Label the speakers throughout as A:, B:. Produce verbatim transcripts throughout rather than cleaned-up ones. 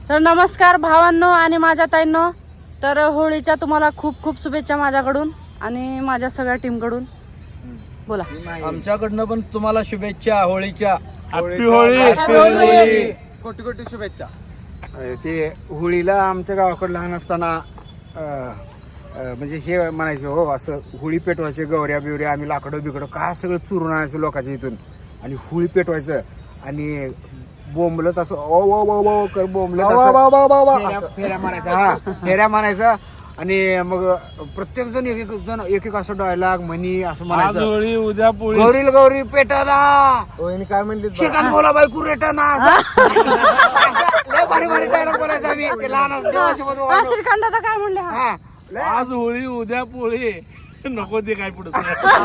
A: तर नमस्कार भावांनो आणि माझ्या ताईंनो. तर होळीच्या तुम्हाला खूप खूप शुभेच्छा माझ्याकडून आणि माझ्या सगळ्या टीमकडून. बोला.
B: आमच्याकडनं पण तुम्हाला शुभेच्छा होळीच्या.
C: हॅपी होळी.
B: कोटी कोटी शुभेच्छा.
D: ते होळीला आमच्या गावाकडे लहान असताना अं, अं, म्हणजे हे म्हणायचं हो असं होळी पेटवायचे गौऱ्या बिवऱ्या आम्ही लाकडं बिकडं काय सगळं चुरून आणायचं लोकांच्या इथून आणि होळी पेटवायचं आणि बोंबलत असं ओ ओ ओ ओ कर बोंबलत असं फेऱ्या मारायचं. हा फेऱ्या मारायचं आणि मग प्रत्येक जण एक एक जण एक एक असं डायलॉग म्हणी असं म्हणायचं.
C: होळी उद्या पोळी.
D: गौरील गौरी पेटाना
B: काय म्हणले
D: शिकान बोला बाई कुरेटाना लय भारी भारी डायलॉग बोलायचं आम्ही ते लहान देवासोबत
A: हा, श्रीकांत दादा काय म्हणले? हा.
D: हा
C: आज होळी उद्या पोळी. नको ते काय पुढे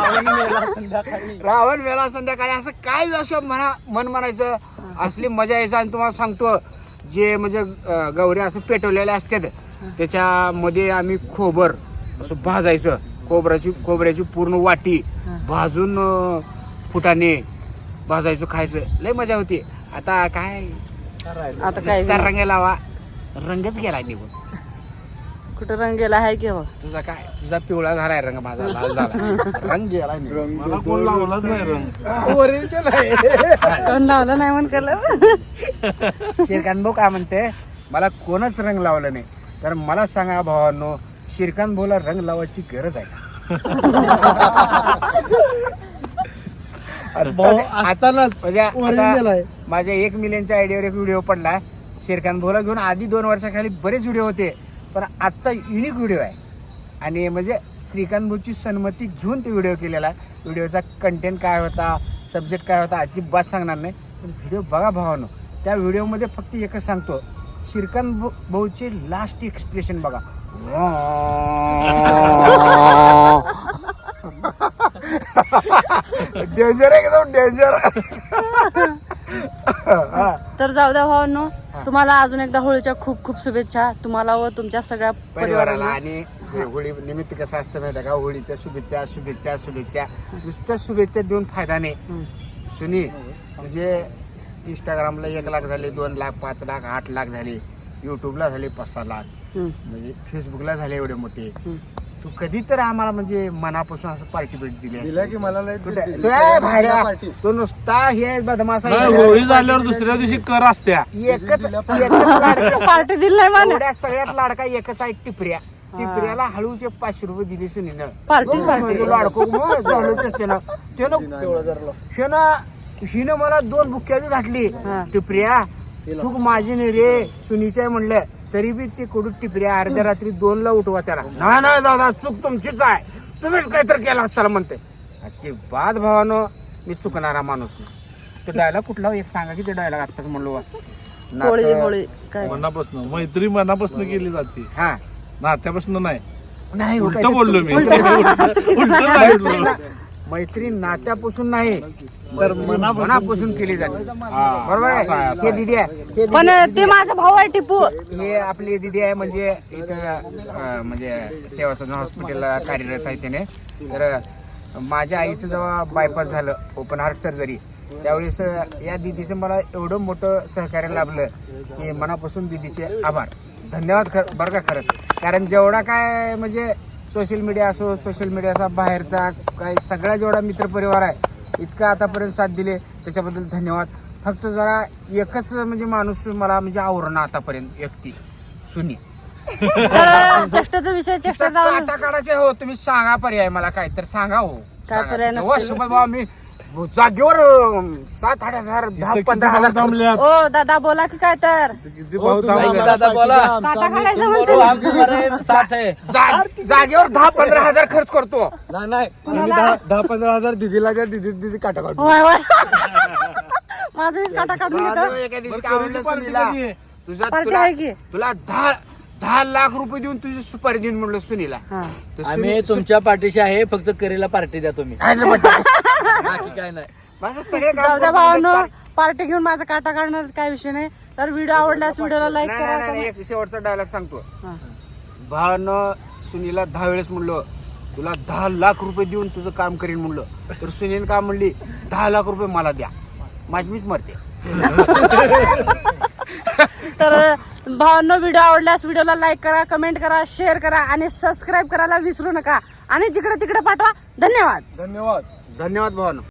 D: रावण वेळा संध्याकाळी असं काय असं म्हणा मन म्हणायचं. असली मजा यायचं. आणि तुम्हाला सांगतो जे म्हणजे अं, गौऱ्या असं पेटवलेल्या असतात त्याच्यामध्ये आम्ही खोबर असं भाजायचं. खोबऱ्याची खोबऱ्याची पूर्ण वाटी भाजून अं, फुटाणे भाजायचं खायचं. लय मजा होती. आता काय
A: आता काय
D: नुसता रंग लावा रंगच गेला निघून.
A: कुठं रंग गेला आहे की?
D: तुझा काय तुझा पिवळा झालाय रंग माझा लाल झाला रंग गेला निघून.
C: मला कोण लावलाच नाही रंग.
A: कोण लावलं नाही म्हण कलर.
D: श्रीकांत भाऊ काय म्हणते मला कोणच रंग लावलं नाही. तर मला सांगा भावांनो श्रीकांत भाऊला रंग लावायची गरज आहे आता म्हणजे माझ्या एक मिलियनच्या आयडियावर एक व्हिडिओ पडला श्रीकांत भाऊला घेऊन. आधी दोन वर्षाखाली बरेच व्हिडिओ होते पण आजचा युनिक व्हिडिओ आहे आणि म्हणजे श्रीकांत भाऊची संमती घेऊन ते व्हिडिओ केलेला आहे. व्हिडिओचा कंटेंट काय होता सब्जेक्ट काय होता अजिबात सांगणार नाही पण व्हिडिओ बघा भावानो. त्या व्हिडिओमध्ये फक्त एकच सांगतो श्रीकांत भाऊचे लास्ट एक्सप्रेशन बघा. डेंजर एकदम डेंजर.
A: तर जाऊ द्या भावांनो तुम्हाला अजून एकदा होळीच्या खूप खूप शुभेच्छा तुम्हाला व तुमच्या सगळ्या
D: परिवाराला.
A: परिवाराला.
D: आणि होळी निमित्त कसं असतं माहिती आहे का होळीच्या शुभेच्छा शुभेच्छा शुभेच्छा नुसत्या शुभेच्छा देऊन फायदा नाही. सुनी तुझे इंस्टाग्रामला एक लाख झाले दोन लाख पाच लाख आठ लाख झाले युट्यूबला झाले पाच सहा लाख म्हणजे फेसबुकला झाले एवढे मोठे. तू कधी तर आम्हाला म्हणजे मनापासून असं पार्टी भेट दिली
B: दिला की मला लय
D: कुठे तो आहे भाड्या तो नुसता हे बदमाश आहे.
C: नाही, होळी झाल्यावर दुसऱ्या दिवशी कर असत्या.
D: एकच एकच लाडका
A: पार्टी दिली नाही मला.
D: एवढ्या सगळ्यात लाडका एकच आहे टिपऱ्या. टिपऱ्याला हळूचे पाचशे रुपये दिले सुनीनं.
A: पार्टीच पार्टी.
D: लाडको मग झालं तेच त्यानं त्यानं हिनं हिनं मला दोन बुक्या बी घातली. टिपऱ्या चूक माझी नाही रे सुनीची आहे म्हणलं तरी बी ते कडू टिपऱ्या अर्ध्या रात्री दोन ला उठवा त्याला. नाही नाही दादा चूक तुमचीच आहे तुम्हीच काहीतरी केला चला म्हणते. आजची बाद भावानं मी चुकणारा माणूस नाही. तो डायलॉग कुठला एक सांगा की ते डायलॉग आत्ताच म्हणलो.
A: होळी होळी काय
C: मनापासून मैत्री मनापासून केली जाते
D: हा
C: नात्यापासून नाही.
D: नाही हो,
C: उलट
D: काहीतरी
C: बोललो मी.
D: चुकीचं.
C: उलट
D: मैत्री
C: सांगितलं.
D: ना- मैत्री नात्यापासून नाही तर मनापासून केली जाते. बरोबर आहे. हे दिदी आहे हे दिदी-
A: पण ते माझा भाऊ आहे टिपू.
D: हे आपली दिदी आहे म्हणजे इथं अं, म्हणजे सेवा सदन हॉस्पिटलला कार्यरत आहे त्याने. तर माझ्या आईचं जेव्हा बायपास झालं ओपन हार्ट सर्जरी त्यावेळेस या दिदीचं मला एवढं मोठं सहकार्य लाभलं की मनापासून दिदीचे आभार धन्यवाद खर बरं का खरंच. कारण जेवढा काय म्हणजे सोशल मीडिया असो सोशल मीडियाचा बाहेरचा काय सगळा जेवढा मित्रपरिवार आहे इतका आतापर्यंत साथ दिले त्याच्याबद्दल धन्यवाद. फक्त जरा एकच म्हणजे माणूस मला म्हणजे आवरणं आतापर्यंत व्यक्ती सुनी.
A: तर चेष्टाचा विषय चेष्टा लावून
D: काटा काढायचे हो तुम्ही सांगा पर्याय मला काय तर सांगा हो.
A: काय
D: सांगा.
A: पर्याय
D: हो,
A: नसतील?
D: सुभाष भाऊ मी जागेवर अं, सात आठ हजार दहा
C: इथं
D: पंधरा
C: किती
D: हजार
C: भाऊ थांबल्यात?
A: ओ दादा बोला की काय तर
C: किती भाऊ थांबल्यात?
B: दादा बोला.
A: काटा काढायचं म्हणते.
B: साथ आहे.
D: जा- जागेवर दहा पंधरा हजार खर्च करतो.
B: नाही नाही आम्ही दहा दहा पंधरा हजार दिदीला द्या दिदी दिदी काटा काढू.
A: होय होय माझं वीस काटा काढून
D: माझं
A: घेतो.
D: एका दिवशी
C: बरं,
D: काय म्हणलं
C: पार्टी
D: सुनीला
C: कधी आहे?
D: तुझा
A: पार्टी
D: तुला
A: आहे की?
D: तुला दहा दहा लाख रुपये देऊन तुझी सुपारी देऊन म्हणलं सुनीला.
A: हा.
D: तर
B: आम्ही
D: सुनी-
B: तुमच्या पाठीशी आहे फक्त करीला पार्टी द्या तुम्ही.
D: काय रे बट्टा?
B: बाकी काय नाही.
D: माझं सगळे काम
A: जाऊ द्या
D: करून
A: भावांनो
D: पार-
A: पार्टी घेऊन माझा काटा काढणार काय विषय नाही. तर व्हिडिओ आवडल्यास व्हिडिओला लाईक
D: नाही, नाही,
A: करा.
D: नाही, एक शेवटचा डायलॉग सांगतो.
A: हा.
D: भावानं सुनीला दहा वेळेस म्हणलं तुला दहा लाख रुपये देऊन तुझं काम करीन म्हणलं तर सुनील काय म्हणली दहा लाख रुपये मला द्या माझी मीच मरते.
A: तर भावांनो, व्हिडिओ आवडल्यास व्हिडिओला लाईक करा, कमेंट करा, शेअर करा आणि सबस्क्राईब करायला विसरू नका आणि जिकडे तिकडे पाठवा. धन्यवाद.
B: धन्यवाद.
D: धन्यवाद भावानो.